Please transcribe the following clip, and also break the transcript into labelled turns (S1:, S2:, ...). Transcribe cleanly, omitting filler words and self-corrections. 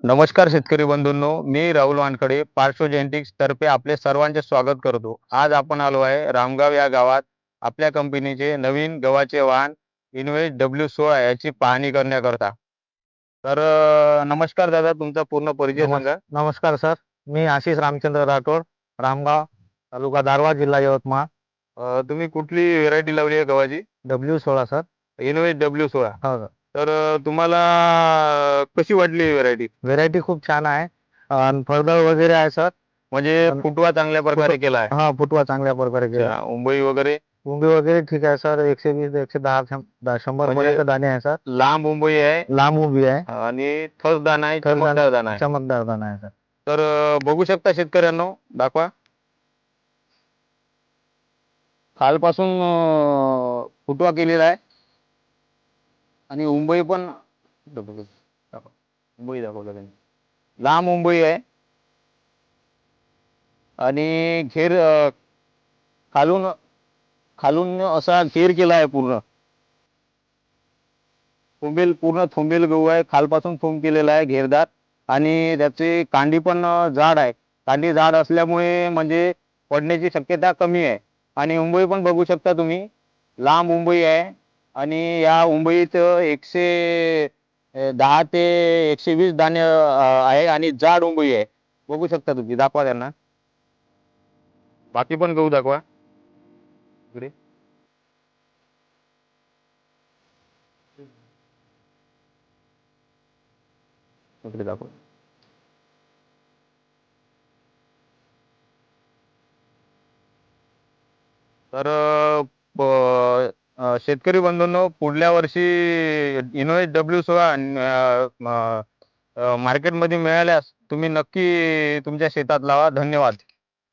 S1: नमस्कार शेतकरी बंधूंनो, मी राहुल वानखडे पार्श्व जेनेटिक्स तर्फे आपले सर्वांचे स्वागत करतो. आज आपण आलो आहे रामगाव या गावात आपल्या कंपनीचे नवीन गव्हाचे वाहन इनोव्हेट W16 याची पाहणी करण्याकरता. तर नमस्कार दादा, तुमचा पूर्ण परिचय सांगा.
S2: नमस्कार सर, मी आशिष रामचंद्र राठोड, रामगाव, तालुका दारवा, जिल्हा यवतमाळ.
S1: तुम्ही कुठली व्हेरायटी लावली आहे गव्हाची?
S2: W16 sir.
S1: Innovate W16.
S2: हो सर.
S1: तर तुम्हाला कशी वाटली व्हेरायटी?
S2: व्हेरायटी खूप छान आहे आणि फळदार वगैरे आहे सर.
S1: म्हणजे फुटवा चांगल्या प्रकारे केला आहे.
S2: हा, फुटवा चांगल्या प्रकारे केला.
S1: अच्छा, मुंबई वगैरे
S2: मुंबई वगैरे ठीक आहे सर. 120, 110, 100
S1: म्हणजे
S2: पर्यंत दाणे आहे सर.
S1: लांब मुंबई आहे
S2: लांब उभी आहे.
S1: आणि थर दाना आहे,
S2: थर
S1: चमकदार दाना आहे.
S2: चमकदार दाणा आहे सर.
S1: तर बघू शकता शेतकऱ्यांनो, दाखवा. खालपासून फुटवा केलेला आहे आणि मुंबई पण मुंबई दाखवलं त्यांनी. लांब मुंबई आहे आणि घेर खालून खालून असा घेर केला आहे पूर्ण. पूर्ण थोंबेल गहू आहे, खालपासून थोंब केलेला आहे घेरदार आणि त्याची कांडी पण जाड आहे. कांडी जाड असल्यामुळे म्हणजे पडण्याची शक्यता कमी आहे. आणि मुंबई पण बघू शकता तुम्ही, लांब मुंबई आहे आणि या मुंबईत 110 ते 120 दाणे आहे आणि जाड मुंबई आहे. बघू शकता तुम्ही, दाखवा त्यांना. बाकी पण गहू दाखवा इकडे. इकडे दाखवा. तर शेतकरी बंधूंनो, पुढल्या वर्षी इनोव्हेट W16 मार्केटमध्ये मिळाल्यास तुम्ही नक्की तुमच्या शेतात लावा. धन्यवाद.